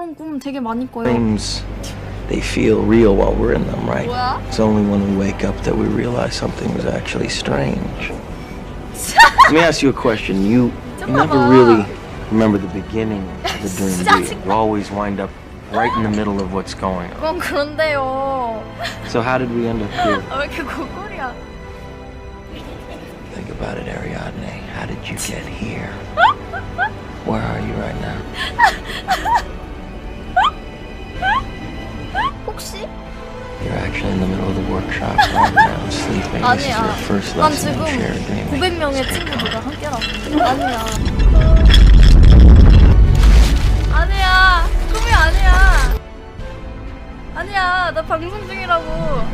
이런 꿈 되게 많이 꿔요. Dreams, they feel real while we're in them, right? 뭐야? It's only when we wake up that we realize something was actually strange. Let me ask you a question. You never really remember the beginning of the dream, do you? You always wind up right in the middle of what's going on. 그건 그런데요. So how did we end up here? 왜 이렇게 고골이야? Think about it, Ariadne. How did you get here? Where are you right now? 혹시? You're actually in the middle of the workshop right now, sleeping. This is your 아니야. first 난 lesson 지금 in shared dreaming. 900명의 친구들과 함께라고. 아니야. 아니야. 꿈이 아니야. 아니야. 나 방송 중이라고.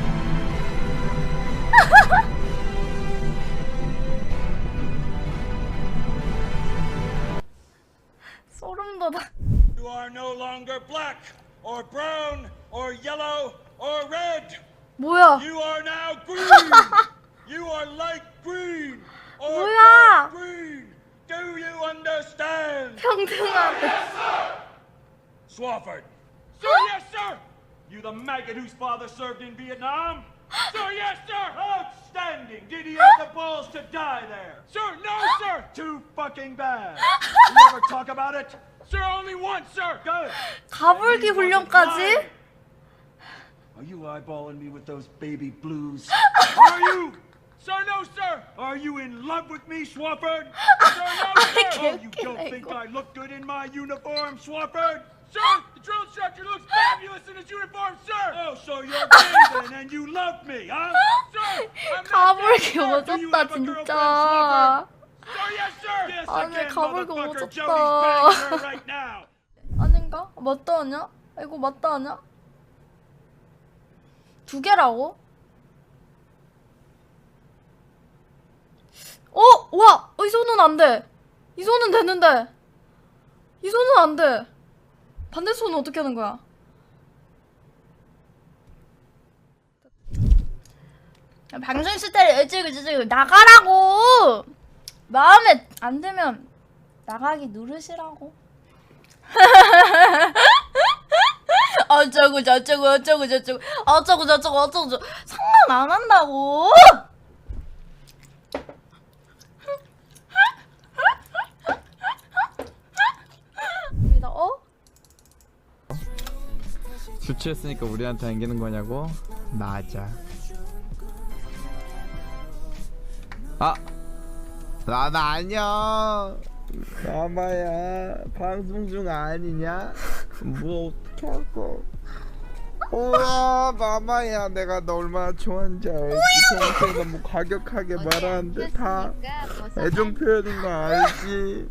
소름 돋아. You are no longer black or brown or yellow or red. 뭐야? You are now green. You are light green or 뭐야? dark green. Do you understand? 평등하대. Swafford. Sir, yes, sir. You the maggot whose father served in Vietnam? Sir, yes, sir. Outstanding. Did he have the balls to die there? Sir, no, sir. Too fucking bad. You ever talk about it? Sir, only once, sir. Good. 가불기 훈련까지? Are you eyeballing me with those baby blues? Are you? Sir, no, sir. Are you in love with me, Swafford? Sir, no, sir. Oh, you don't think I look good in my uniform, Swafford? Sir, the drill instructor looks fabulous in his uniform, sir. Oh, so you're gay then, and you love me, huh? Sir, I'm not gay, 가불기 sir. Do you 오졌다 have a girlfriend, 진짜. Swafford? Sir, yes, sir. Yes, 아니, again, 가불기 motherfucker. 오졌다. Jody's banging her right now. 아닌가? 맞다 하냐? 이거 맞다 하냐? 두 개라고? 와! 이 손은 안 돼! 이 손은 되는데! 이 손은 안 돼! 반대 손은 어떻게 하는 거야? 방송 있을 때 일찍 나가라고! 마음에 안 들면 나가기 누르시라고. 어쩌고 저쩌고 어쩌고 저쩌고 어쩌고 저쩌고 어쩌고 저쩌고 상관 안 한다고. 믿어? 술 취했으니까 우리한테 안기는 거냐고? 맞아. 아! 나나 안녕! 마마야 방송 중 아니냐? 뭐 어떡하고. 우와 마마야 내가 너 얼마나 좋아하는지 알지? 평소에 너무 과격하게 말하는데 다 애정 표현인 거 알지?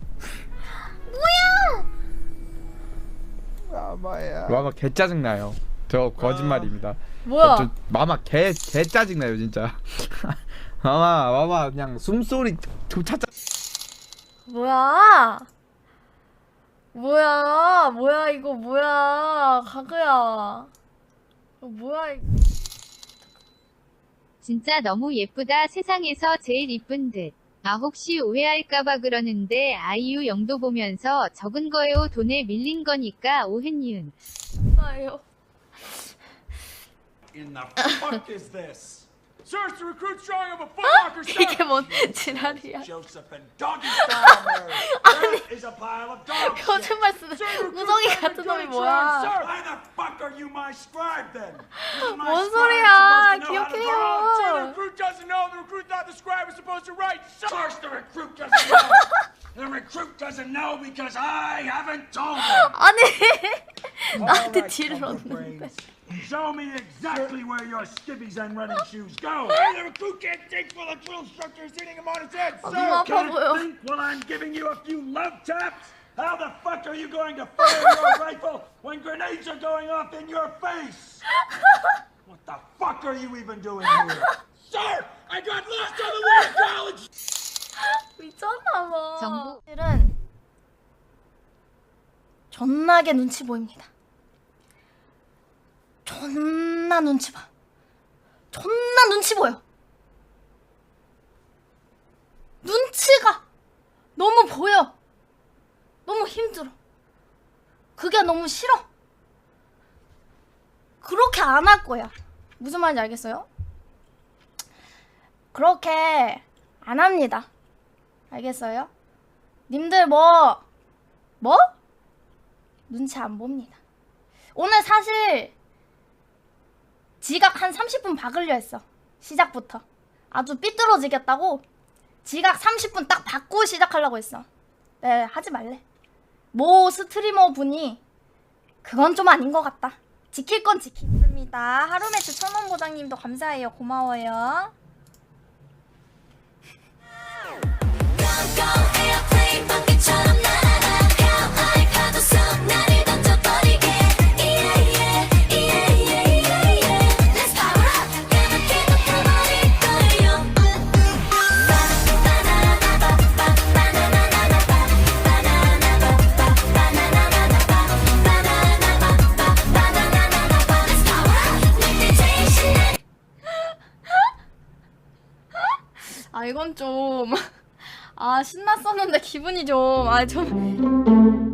마마야 마마 개 짜증나요. 저 거짓말입니다. 뭐야? 저 마마 개 짜증나요 진짜. 마마 그냥 숨소리 조차 뭐야? 뭐야 이거 뭐야? 가그야. 뭐야 이거. 진짜 너무 예쁘다. 세상에서 제일 이쁜 듯. 아 혹시 오해할까봐 그러는데 아이유 영도 보면서 적은 거예요. 돈에 밀린 거니까 오해니은. 아유. In the fuck is this? Sir, it's the recruit's drawing of a footlocker, sir. 이게 뭔 지랄이야? Joseph and doggy style Mary. That is a pile of dog shit. 거짓말 쓰는 Sir, the recruit's 우정이 drawing 같은 of 놈이 dirty 뭐야? drawing, sir. Why the fuck are you my scribe then? Isn't my 뭔 scribe 소리야? supposed to know how to draw? 기억해요. Sir, the recruit doesn't know. The recruit thought the scribe was supposed to write. Sir, of course the recruit doesn't know. The recruit doesn't know because I haven't told him. 아니 나한테 Alright, 딜을 Bunker 넣는데. Brains. Show me exactly where your skivvies and running shoes go. The recruit can't think while the drill instructor is hitting him on his head. 아, Sir, 눈 아파 can't 보여. think while I'm giving you a few love taps? How the fuck are you going to fire your rifle when grenades are going off in your face? What the fuck are you even doing here? Sir, I got lost on the way to college! 미쳤나봐. 정부. 사실은 존나게 눈치 보입니다. 존나 눈치 봐. 존나 눈치 보여. 눈치가 너무 보여. 너무 힘들어. 그게 너무 싫어. 그렇게 안 할 거야. 무슨 말인지 알겠어요? 그렇게 안 합니다. 알겠어요? 님들 뭐? 눈치 안 봅니다. 오늘 사실 지각 한 30분 박으려 했어. 시작부터. 아주 삐뚤어지겠다고 지각 30분 딱 받고 시작하려고 했어. 네, 하지 말래. 모 스트리머 분이 그건 좀 아닌 것 같다. 지킬 건 지키겠습니다. 하루매치 1000원 보장님도 감사해요. 고마워요. 아 이건 좀 아 신났었는데 기분이 좀